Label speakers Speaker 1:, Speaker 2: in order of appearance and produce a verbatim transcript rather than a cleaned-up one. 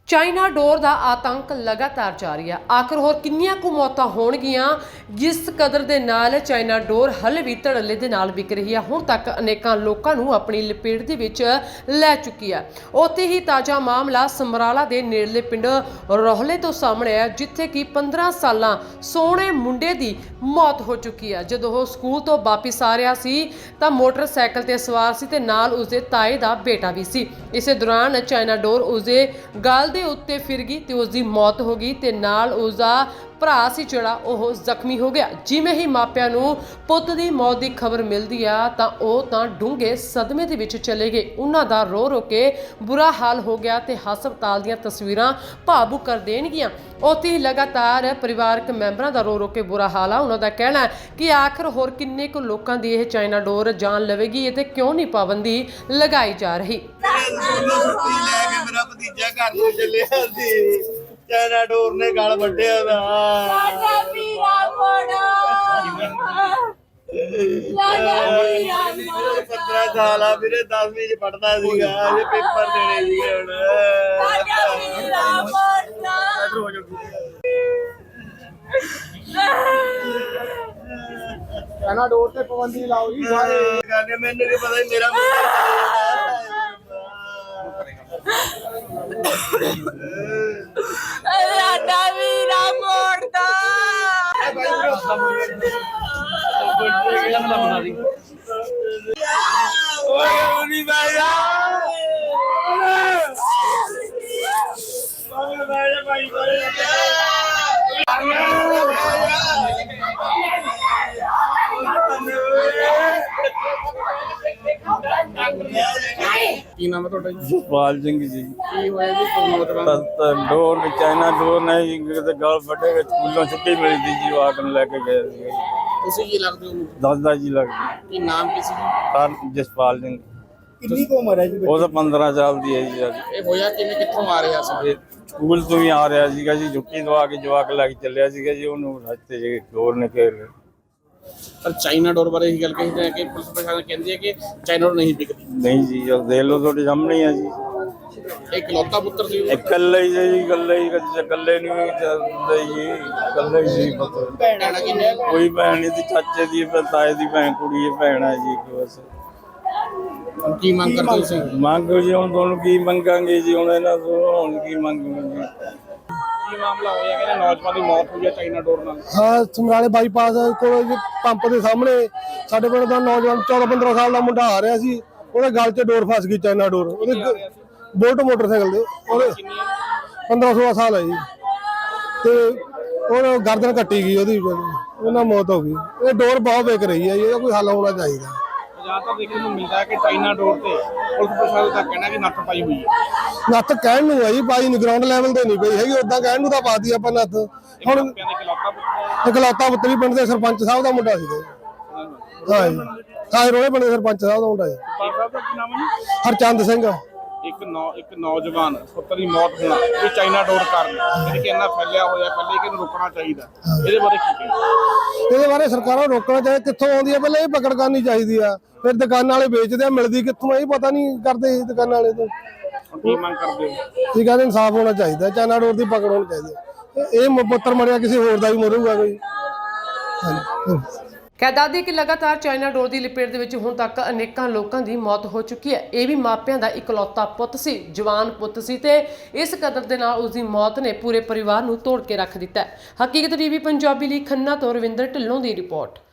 Speaker 1: China ਡੋਰ ਦਾ ਆਤੰਕ ਲਗਾਤਾਰ ਜਾਰੀ ਹੈ। ਆਖਰ ਹੋਰ ਕਿੰਨੀਆਂ ਕੁ ਮੌਤਾਂ ਹੋਣਗੀਆਂ ਜਿਸ ਕਦਰ ਦੇ ਨਾਲ ਚਾਈਨਾ ਡੋਰ ਹਲੇ ਵੀ ਧੜੱਲੇ ਦੇ ਨਾਲ ਵਿਕ ਰਹੀ ਹੈ। ਹੁਣ ਤੱਕ ਅਨੇਕਾਂ ਲੋਕਾਂ ਨੂੰ ਆਪਣੀ ਲਪੇਟ ਦੇ ਵਿੱਚ ਲੈ ਚੁੱਕੀ ਹੈ। ਉੱਥੇ ਹੀ ਤਾਜ਼ਾ ਮਾਮਲਾ ਸਮਰਾਲਾ ਦੇ ਨੇੜਲੇ ਪਿੰਡ ਰੋਹਲੇ ਤੋਂ ਸਾਹਮਣੇ ਆਇਆ, ਜਿੱਥੇ ਕਿ ਪੰਦਰਾਂ ਸਾਲਾਂ ਸੋਹਣੇ ਮੁੰਡੇ ਦੀ ਮੌਤ ਹੋ ਚੁੱਕੀ ਹੈ। ਜਦੋਂ ਉਹ ਸਕੂਲ ਤੋਂ ਵਾਪਿਸ ਆ ਰਿਹਾ ਸੀ ਤਾਂ ਮੋਟਰਸਾਈਕਲ ਤੇ ਸਵਾਰ ਸੀ ਤੇ ਨਾਲ ਉਸਦੇ ਤਾਏ ਦਾ ਬੇਟਾ ਵੀ ਸੀ। ਇਸੇ ਦੌਰਾਨ ਚਾਈਨਾ ਡੋਰ ਉਸਦੇ ਗਲ ਦੇ ਉੱਤੇ ਫਿਰ ਗਈ ਤੇ ਉਸ ਦੀ ਮੌਤ ਹੋ ਗਈ ਤੇ ਨਾਲ ਉਸ ਦਾ ਭਰਾ ਸੀ ਜਿਹੜਾ ਉਹ ਜ਼ਖਮੀ ਹੋ ਗਿਆ। ਜਿਵੇਂ ਹੀ ਮਾਪਿਆਂ ਨੂੰ ਪੁੱਤ ਦੀ ਮੌਤ ਦੀ ਖਬਰ ਮਿਲਦੀ ਆ ਤਾਂ ਉਹ ਤਾਂ ਡੂੰਘੇ ਸਦਮੇ ਦੇ ਵਿੱਚ ਚਲੇ ਗਏ। ਉਹਨਾਂ ਦਾ ਰੋ ਰੋ ਕੇ ਬੁਰਾ ਹਾਲ ਹੋ ਗਿਆ ਤੇ ਹਸਪਤਾਲ ਦੀਆਂ ਤਸਵੀਰਾਂ ਭਾਵੁਕ ਕਰ ਦੇਣਗੀਆਂ। ਉੱਥੇ ਹੀ ਲਗਾਤਾਰ ਪਰਿਵਾਰਕ ਮੈਂਬਰਾਂ ਦਾ ਰੋ ਰੋ ਕੇ ਬੁਰਾ ਹਾਲ ਆ। ਉਹਨਾਂ ਦਾ ਕਹਿਣਾ ਹੈ ਕਿ ਆਖਰ ਹੋਰ ਕਿੰਨੇ ਕੁ ਲੋਕਾਂ ਦੀ ਇਹ ਚਾਈਨਾ ਡੋਰ ਜਾਨ ਲਵੇਗੀ ਤੇ ਕਿਉਂ ਨਹੀਂ ਪਾਬੰਦੀ ਲਗਾਈ ਜਾ ਰਹੀ।
Speaker 2: ਮੇਰਾ ਭਤੀਜਾ ਘਰ ਨੂੰ ਚੱਲਿਆ ਸੀ, ਚਾਈਨਾ ਡੋਰ ਨੇ ਗਲ ਵੱਢਿਆ ਦਾ।
Speaker 3: ਸਾਡਾ ਵੀਰਾ ਮੋੜਾ
Speaker 2: ਪੰਦਰਾਂ ਸਾਲ ਆ ਵੀਰੇ, ਦਸਵੀਂ ਚ ਪੜਦਾ ਸੀਗਾ, ਅਜੇ ਪੇਪਰ ਦੇਣੇ ਸੀਗੇ ਹੁਣ।
Speaker 3: ਸਾਡਾ ਵੀਰਾ ਮੋੜਾ
Speaker 4: ਚਾਈਨਾ ਡੋਰ ਤੇ ਪਾਬੰਦੀ ਲਾਓ ਜੀ ਸਾਰੇ।
Speaker 2: ਕਹਿੰਦੇ ਮੈਨੂੰ ਕੀ ਪਤਾ ਸੀ ਮੇਰਾ ਮੁੰਡਾ
Speaker 3: ਸਾਡਾ ਵੀਰਾ ਮੋੜਦਾ
Speaker 2: ਓਏ ਉਨੀ ਬਾਇਆ ਬਾਬੂ ਬਾਇਆ ਭਾਈ
Speaker 4: ਕੀ ਨਾਮ ਹੈ ਤੁਹਾਡਾ ਜੀ?
Speaker 5: ਜਸਪਾਲ ਸਿੰਘ ਜੀ।
Speaker 4: ਕੀ ਹੋਇਆ ਜੀ ਨੌਜਵਾਨ?
Speaker 5: ਤਾਂ ਡੋਰ ਵਿੱਚ ਚਾਈਨਾ ਡੋਰ ਨੇ ਜੀ ਕਿਤੇ ਗਲ ਵੱਡੇ ਵਿੱਚ ਸਕੂਲੋਂ ਛੁੱਟੀ ਮਿਲੀ ਸੀ ਜੀ, ਉਹ ਆਕ ਨੂੰ ਲੈ ਕੇ ਗਏ ਸੀ।
Speaker 4: ਤੁਸੀਂ ਕੀ ਲੱਗਦੇ ਹੋ?
Speaker 5: ਦੱਸਦਾ ਜੀ ਲੱਗਦੀ
Speaker 4: ਕੀ ਨਾਮ ਕੀ ਸੀ?
Speaker 5: ਤਾਂ ਜਸਪਾਲ ਸਿੰਘ।
Speaker 4: ਕਿੰਨੀ ਕੁ ਉਮਰ ਹੈ ਜੀ?
Speaker 5: ਉਹ ਤਾਂ ਪੰਦਰਾਂ ਸਾਲ ਦੀ ਹੈ ਜੀ। ਅੱਜ
Speaker 4: ਇਹ ਹੋਇਆ ਕਿਵੇਂ, ਕਿੱਥੋਂ ਆ ਰਿਹਾ ਸੀ?
Speaker 5: ਇਹ ਸਕੂਲ ਤੋਂ ਹੀ ਆ ਰਿਹਾ ਸੀਗਾ ਜੀ, ਛੁੱਟੀ ਤੋਂ ਆ ਕੇ ਜਵਾਕ ਲੈ ਕੇ ਚੱਲਿਆ ਸੀਗਾ ਜੀ, ਉਹਨੂੰ ਰਸਤੇ 'ਚ ਡੋਰ ਨੇ ਘੇਰ ਲਿਆ।
Speaker 4: ਪਰ ਚਾਈਨਾ ਡੋਰ ਬਾਰੇ ਇਹ ਗੱਲ ਕਹੀ ਹੈ ਕਿ ਪੁਲਿਸ ਪ੍ਰਸ਼ਾਸਨ ਕਹਿੰਦੀ ਹੈ ਕਿ ਚਾਈਨਾ ਡੋਰ ਨਹੀਂ ਵਿਕਦੀ।
Speaker 5: ਨਹੀਂ ਜੀ, ਉਹ ਦੇਖ ਲਓ ਤੁਹਾਡੇ ਸਾਹਮਣੇ ਆ ਜੀ।
Speaker 4: ਇਹ ਇਕਲੌਤਾ ਪੁੱਤਰ ਸੀ।
Speaker 5: ਇਕੱਲੇ ਹੀ ਸੀ ਜੀ, ਇਕੱਲੇ ਹੀ ਕਦੇ ਇਕੱਲੇ ਨਹੀਂ ਚੱਲਦੇ ਜੀ, ਇਕੱਲੇ ਹੀ ਸੀ ਪੁੱਤ।
Speaker 4: ਭੈਣਾਂ ਕਿੰਨੇ?
Speaker 5: ਕੋਈ ਭੈਣ ਨਹੀਂ ਸੀ, ਚਾਚੇ ਦੀ ਤਾਏ ਦੀ ਭੈਣ ਕੁੜੀ ਹੈ, ਭੈਣ ਹੈ ਜੀ ਇੱਕ ਬਸ।
Speaker 4: ਕੀ ਮੰਗ ਕਰਦੇ ਤੁਸੀਂ?
Speaker 5: ਮੰਗ ਜੀ ਹੁਣ ਤੁਹਾਨੂੰ ਕੀ ਮੰਗਾਂਗੇ ਜੀ, ਹੁਣ ਇਹਨਾਂ ਤੋਂ ਹੁਣ ਕੀ ਮੰਗਾਂਗੇ ਜੀ।
Speaker 4: ਕੀ ਮਾਮਲਾ ਹੋਇਆ ਕਿ ਨੌਜਵਾਨ ਦੀ ਮੌਤ ਹੋਈ ਹੈ ਚਾਈਨਾ ਡੋਰ ਨਾਲ?
Speaker 6: ਹਾਂ, ਸਮਰਾਲੇ ਬਾਈਪਾਸ ਕੋਲ ਜੀ ਪੰਪ ਦੇ ਸਾਹਮਣੇ ਸਾਡੇ ਪਿੰਡ ਦਾ ਨੌਜਵਾਨ ਚੌਦਾਂ ਪੰਦਰਾਂ ਸਾਲ ਦਾ ਮੁੰਡਾ ਆ ਰਿਹਾ ਸੀ, ਉਹਦੇ ਗਲ 'ਚ ਡੋਰ ਫਸ ਗਈ, ਚਾਈਨਾ ਡੋਰ। ਉਹਦੇ ਬੋਲਟ ਮੋਟਰਸਾਈਕਲ ਦੇ, ਉਹਦੇ ਪੰਦਰਾਂ ਸੋਲਾਂ ਸਾਲ ਹੈ ਜੀ, ਤੇ ਉਹ ਗਰਦਨ ਕੱਟੀ ਗਈ ਉਹਦੀ, ਉਹਨਾਂ ਮੌਤ ਹੋ ਗਈ। ਇਹ ਡੋਰ ਬਹੁਤ ਵਿਕ ਰਹੀ ਹੈ ਜੀ, ਇਹਦਾ ਕੋਈ ਹੱਲ ਹੋਣਾ ਚਾਹੀਦਾ।
Speaker 4: ਜ਼ਿਆਦਾਤਰ ਦੇਖਣ ਨੂੰ ਮਿਲਦਾ ਹੈ ਕਿ ਚਾਈਨਾ ਡੋਰ ਤੇ ਪੁਲਿਸ ਪ੍ਰਸ਼ਾਸਨ ਦਾ ਕਹਿਣਾ ਕਿ ਨੱਥ ਪਾਈ ਹੋਈ ਹੈ।
Speaker 6: ਨੱਥ ਕਹਿਣ ਨੂੰ ਹੈ ਜੀ, ਪਾਈ ਨਹੀਂ, ਗਰਾਊਂਡ ਲੈਵਲ ਤੇ ਨਹੀਂ ਪਈ ਹੈਗੀ, ਉਦਾਂ ਕਹਿਣ ਨੂੰ ਤਾਂ ਪਾਤੀ ਆਪਾਂ ਨੱਥ। ਹੁਣ
Speaker 4: ਇਕਲੌਤਾ ਪੁੱਤਰ
Speaker 6: ਇਕਲੌਤਾ ਪੁੱਤਰੀ ਪਿੰਡ ਦੇ ਸਰਪੰਚ ਸਾਹਿਬ ਦਾ ਮੁੰਡਾ ਸੀਗਾ। ਹਾਂ ਜੀ, ਸਾਰੇ ਰੋਲੇ ਪਿੰਡ ਦੇ ਸਰਪੰਚ ਸਾਹਿਬ ਦਾ ਮੁੰਡਾ ਜੀ,
Speaker 4: ਸਾਹਿਬ ਦਾ ਕੀ ਨਾਮ ਹੈ ਜੀ?
Speaker 6: ਹਰਚੰਦ ਸਿੰਘ।
Speaker 4: ਇੱਕ ਨੌ ਇੱਕ ਨੌਜਵਾਨ ਪੁੱਤਰ ਦੀ ਮੌਤ ਹੋਣਾ ਇਹ ਚਾਈਨਾ ਡੋਰ ਕਾਰਨ, ਜਿਹੜੀ ਕਿ ਇੰਨਾ ਫੈਲਿਆ ਹੋਇਆ, ਪਹਿਲੇ ਕਿ ਇਹਨੂੰ ਰੋਕਣਾ ਚਾਹੀਦਾ। ਇਹਦੇ ਬਾਰੇ ਕੀ ਕਹੇ?
Speaker 6: ਇਹਦੇ ਬਾਰੇ ਸਰਕਾਰਾਂ ਨੂੰ ਰੋਕਣਾ ਚਾਹੀਦਾ। ਕਿੱਥੋਂ ਆਉਂਦੀ ਹੈ ਪਹਿਲਾਂ ਇਹ ਪਕੜ ਕਰਨੀ ਚਾਹੀਦੀ ਆ, ਫਿਰ ਦੁਕਾਨਾਂ ਵਾਲੇ ਵੇਚਦੇ ਆ, ਮਿਲਦੀ ਕਿੱਥੋਂ ਆ ਇਹ ਪਤਾ ਨਹੀਂ ਕਰਦੇ ਦੁਕਾਨਾਂ ਵਾਲੇ ਤੋਂ।
Speaker 4: ਕੀ ਮੰਗ ਕਰਦੇ ਹੋ?
Speaker 6: ਇਹ ਕਹਿੰਦੇ ਇਨਸਾਫ ਹੋਣਾ ਚਾਹੀਦਾ, ਚਾਈਨਾ ਡੋਰ ਦੀ ਪਕੜ ਹੋਣੀ ਚਾਹੀਦੀ ਹੈ। ਇਹ ਮ- ਪੁੱਤਰ ਮਰਿਆ, ਕਿਸੇ ਹੋਰ ਦਾ ਵੀ ਮਰੂਗਾ ਕੋਈ। ਹਾਂਜੀ।
Speaker 1: ਕਹਿ ਦੱਸਦੀ ਕਿ ਲਗਾਤਾਰ ਚਾਈਨਾ ਡੋਰ ਦੀ ਲਪੇਟ ਦੇ ਵਿੱਚ ਹੁਣ ਤੱਕ ਅਨੇਕਾਂ ਲੋਕਾਂ ਦੀ ਮੌਤ ਹੋ ਚੁੱਕੀ ਹੈ। ਇਹ ਵੀ ਮਾਪਿਆਂ ਦਾ ਇਕਲੌਤਾ ਪੁੱਤ ਸੀ, ਜਵਾਨ ਪੁੱਤ ਸੀ ਤੇ ਇਸ ਕਦਰ ਦੇ ਨਾਲ ਉਸ ਦੀ ਮੌਤ ਨੇ ਪੂਰੇ ਪਰਿਵਾਰ ਨੂੰ ਤੋੜ ਕੇ ਰੱਖ ਦਿੱਤਾ ਹੈ। ਹਕੀਕਤ ਟੀਵੀ ਪੰਜਾਬੀ ਲਈ ਖੰਨਾ ਤੋਂ ਰਵਿੰਦਰ ਢਿੱਲੋਂ ਦੀ ਰਿਪੋਰਟ।